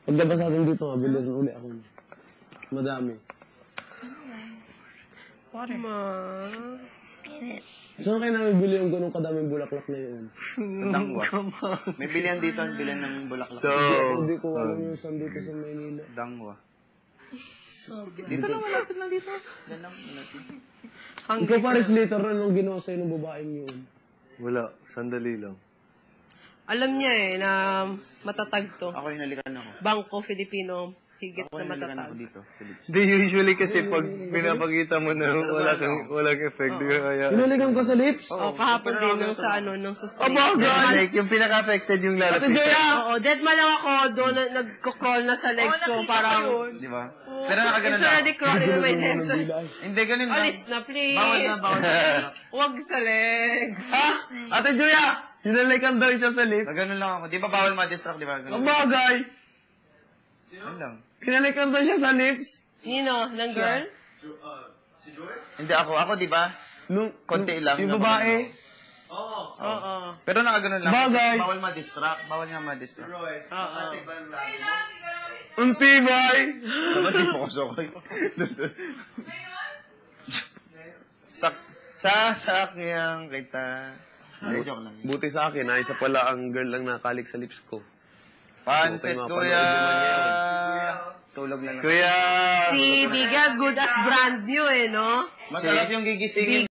Paglabas natin dito, mabili rin uli ako. Madami. Water. Saan kayo namin bili yung ganun kadaming bulaklak na yun? Sa Dangwa. May bilihan dito, bilihan ng bulaklak. So, Hindi ko alam yung saan dito sa Maynila. Dangwa. Dito lang, malapit lang dito. Yan lang, malapit. Ikaw pares later na nung ginawa sa'yo ng babaeng yun. wala. Sandali lang. Alam niya na matatag to. Ako hinalikan ako. Bangko Filipino, higit Ako na hinalikan matatag. ako dito. Sa lips. Di, usually kasi pag pinapakita mo na walang effect, di ka kaya. Pinalikan ko sa lips? Oh, kahapon din nung sa nung sa stage. Like, yung pinaka-affected yung lalapit. Oo, dead man lang ako doon nagko-crawl na sa legs ko parang Di ba? Pero nakaganon it's already crawling on my legs. Hindi, ganun lang. Alis na, please. Bawal na, bawal na. Huwag sa legs. Ate Julia! Hinalikan daw siya sa lips. Ganun lang ako. Di ba bawal ma-distract, di ba? Ang bagay! Ganun lang. Hinalikan daw siya sa lips. Nino, ng girl? Hindi ako. Ako, di ba? Konti lang. Yung babae. Oo. Pero nakaganon lang. Bagay. Bawal ma-distract. Bawal nga ma-distract. Oo. Ang tibay! Dapat di po ko sokoy. Sasakyang kita. Ay, joke lang. Buti sa akin, isa pala ang girl lang nakalik sa lips ko. Pansit, Okay, kuya. mapanood Tulog na lang. Kuya! Si Biga, good as brand new no? Masarap yung gigisingin